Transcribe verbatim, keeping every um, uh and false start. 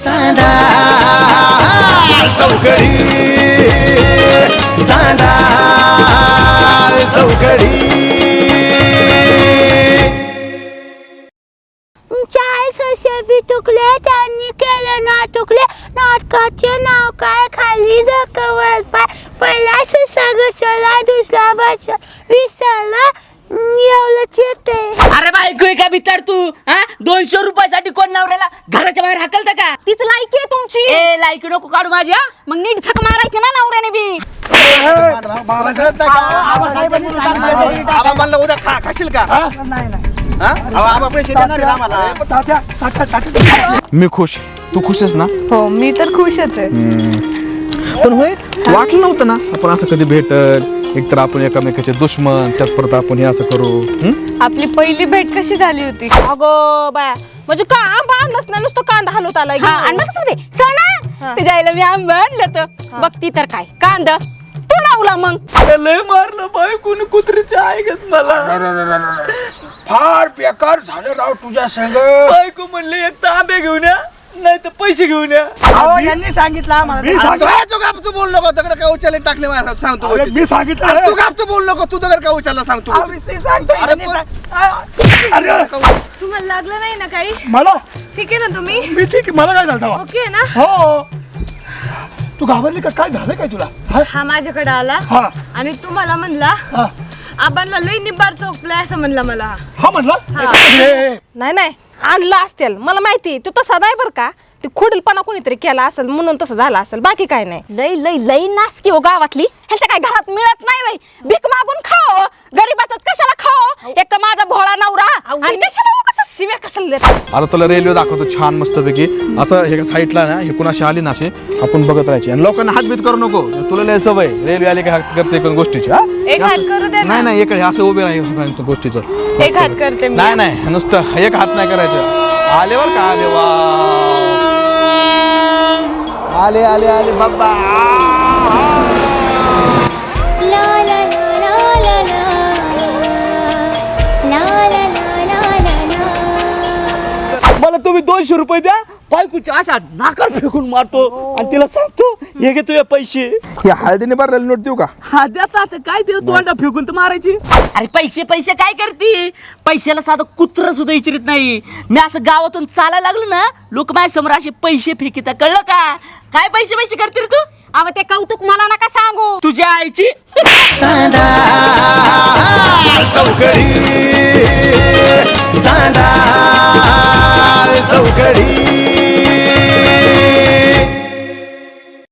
चांदा चौकडी चांदा चौकडी चाळीस वर्षे बी चुकले त्यांनी केले ना चुकले नाटकाचे नाव काय खाली जखवर पाय पहिला सगळं दुसरा बस विसरला एवढंच येते. अरे बायको आहे का भितर तू हा दोनशे रुपयासाठी कोण नवऱ्याला घराच्या बाहेर हाकलत का? तीच लायकी आहे तुमची. ए लायकी नको काढू माझ्या. मग नीट झक मारायची ना नवऱ्याने बी. मी खुश, तू खुशच ना? हो मी तर खुशच आहे. पण होय वाटलं नव्हतं ना आपण असं कधी भेटल, एकतर आपण एकामेकाचे दुश्मन, त्यात परत आपण हे असं करू. आपली पहिली भेट कशी झाली होती? अगो बाया म्हणजे का आंबा आणलंच ना नुसतं कांदा हलवत आलाय. आणलं कसं ते सणा तुझ्या आईला मी आंबा आणलं तर बघती तर काय कांदा तू लावला मग. लय मारलं बायकोने कुत्रीच्या ऐकत मला. फार बेकार झालं राव तुझ्या संग. बायको म्हणले एक तर आंबे घेऊन या नाही तर पैसे घेऊन या. यांनी सांगितलं आम्हाला. तू गाप तू बोल नको दगड काय उचलले टाकले मला सांगतो. मी सांगितलं तू गाप तू बोल नको तू दगड काय उचलला सांगतो. तुम्हाला लागलं नाही ना काही? मला ठीक आहे ना तुम्ही? मी ठीक आहे. मला काय झालं ओके ना? हो तू घाबरली का? काय झालं काय तुला? हा माझ्याकडे आला हा आणि तुम्हाला म्हणला हा आबांना लई निब्बार चोपलाय असं म्हणला मला. हा म्हणला. नाही नाही आणलं असतील मला माहिती. तू तसा नाही बरं का. ते खोडीलपणा कोणीतरी केला असेल म्हणून तसं झालं असेल बाकी काय नाही. लई लई लई नासकी हो गावातली. ह्यांच्या काय घरात मिळत नाही बाई. भीक मागून खाओ गरीबाच कशाला खाओ. एक तर माझा भोळा नवरा आणि कशाला उगाच शिव्या कशाला देतात. आता तुला रेल्वे दाखवतो छान मस्तपैकी. असं हे साईडला ना हे कुणाशी आली ना असे आपण बघत राहायचे आणि लोकांना हातबीत करू नको. तुला लय सवय रेल्वे आली की हात करते कोण गोष्टीची. एक हात करू दे ना. नाही नाही एक असं उभे नाही गोष्टीचं. एक हात करते मी. नाही नाही नुसतं एक हात नाही करायचं. आले बर का आले वा आले आले आले बाबा. मला तुम्ही दोनशे रुपये द्या. बायकोच्या अशा नाकार फेकून मारतो आणि तिला सांगतो हे घे तुझे पैसे. या हळदीने भरलेली नोट देऊ का? हा देता आता काय देऊ तोंडा फेकून तर मारायची. अरे पैसे पैसे काय करते. पैशाला साधं कुत्र सुद्धा विचारित नाही. मी असं गावातून चालायला लागलो ना लोक माझ्या समोर असे पैसे फेकिता कळलं का? काय पैसे पैसे करते रे तू? अव ते कौतुक मला नका सांगू. तुझ्या आईची. चांदा चौकडी चांदा चौकडी